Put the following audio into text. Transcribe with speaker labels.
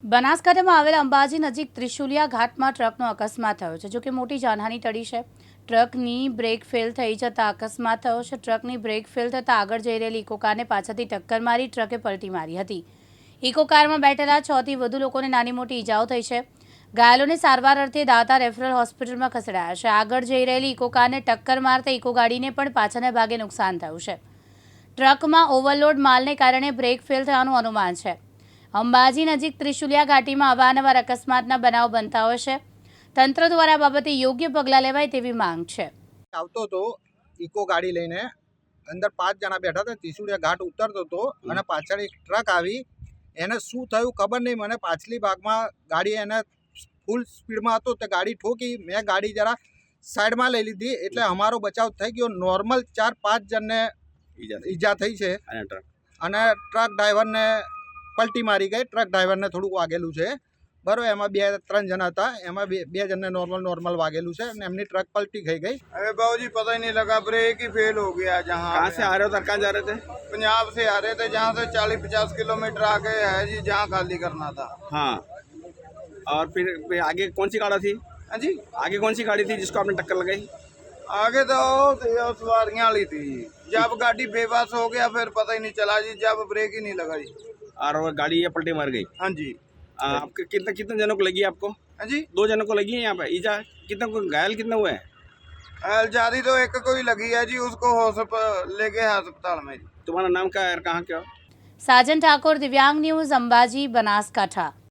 Speaker 1: બનાસકાંઠામાં આવેલા અંબાજી નજીક ત્રિશુલિયા ઘાટમાં ટ્રકનો અકસ્માત થયો છે, જોકે મોટી જાનહાનિ ટળી છે। ટ્રકની બ્રેક ફેલ થઈ જતાં અકસ્માત થયો છે। ટ્રકની બ્રેક ફેલ થતાં આગળ જઈ રહેલી ઇકો કારને પાછળથી ટક્કર મારી ટ્રકે પલટી મારી હતી। ઇકો કારમાં બેઠેલા 6 થી વધુ લોકોને નાની મોટી ઈજાઓ થઈ છે। ઘાયલોને સારવાર અર્થે દાતા રેફરલ હોસ્પિટલમાં ખસેડાયા છે। આગળ જઈ રહેલી ઇકો કારને ટક્કર મારતા ઇકો ગાડીને પણ પાછળના ભાગે નુકસાન થયું છે। ટ્રકમાં ઓવરલોડ માલને કારણે બ્રેક ફેલ થવાનું અનુમાન છે। અંબાજી નજીક ત્રિશુલિયા ઘાટીમાં અવારનવાર અકસ્માતના બનાવ બનતા હોય છે। તંત્ર દ્વારા આ બાબતે યોગ્ય પગલાં લેવાય તેવી માંગ છે।
Speaker 2: આવતો તો ઇકો ગાડી લઈને અંદર 5 જણા બેઠા હતા। ત્રિશુલિયા ઘાટ ઉતરતો હતો અને પાછળ એક ટ્રક આવી, એને શું થયું ખબર નહીં મને। પાછલી ભાગમાં ગાડી એને ફૂલ સ્પીડમાં હતો તો ગાડી ઠોકી। મેં ગાડી જરા સાઈડમાં લઈ લીધી એટલે અમારો બચાવ થઈ ગયો। નોર્મલ 4-5 જણને ઈજા થઈ છે અને ટ્રક ડ્રાઈવરને પલટી મારી ગઈ। ટ્રક ડ્રાઈવરને થોડુંક વાગેલું છે બરાબર। એમાં 2-3 જણા હતા, એમાં બે જણને नॉर्मल वागेलू से एमनी ट्रक पलटी खाई गई।
Speaker 3: अरे बाबूजी पता ही नहीं लगा, ब्रेक ही फेल हो गया। जहाँ
Speaker 4: कहाँ से आ रहे हो सर, कहाँ जा रहे थे?
Speaker 3: पंजाब से आ रहे थे, जहाँ से 40-50 किलोमीटर आगे है जी, जहाँ खाली करना था।
Speaker 4: हाँ, और फिर आगे कौन सी गाड़ी थी?
Speaker 3: हाँ जी,
Speaker 4: आगे कौन सी गाड़ी थी जिसको आपने टक्कर लगाई?
Speaker 3: आगे तो सवारियाँ वाली थी। जब गाड़ी बेबस हो गया फिर पता ही नहीं चला जी, जब ब्रेक ही नहीं लगा जी।
Speaker 4: और वो गाड़ी ये पलटी मार गई।
Speaker 3: हाँ जी।
Speaker 4: आपके कितने जनों को लगी आपको?
Speaker 3: हाँ जी,
Speaker 4: 2 जनों को लगी है यहाँ पे ईजा। कितने को घायल कितने हुए हैं?
Speaker 3: ज्यादा तो एक को ही लगी है जी, उसको लेके अस्पताल में।
Speaker 4: तुम्हारा नाम क्या है, कहाँ क्या?
Speaker 1: साजन ठाकुर, दिव्यांग न्यूज़, अंबाजी, बनासकांठा।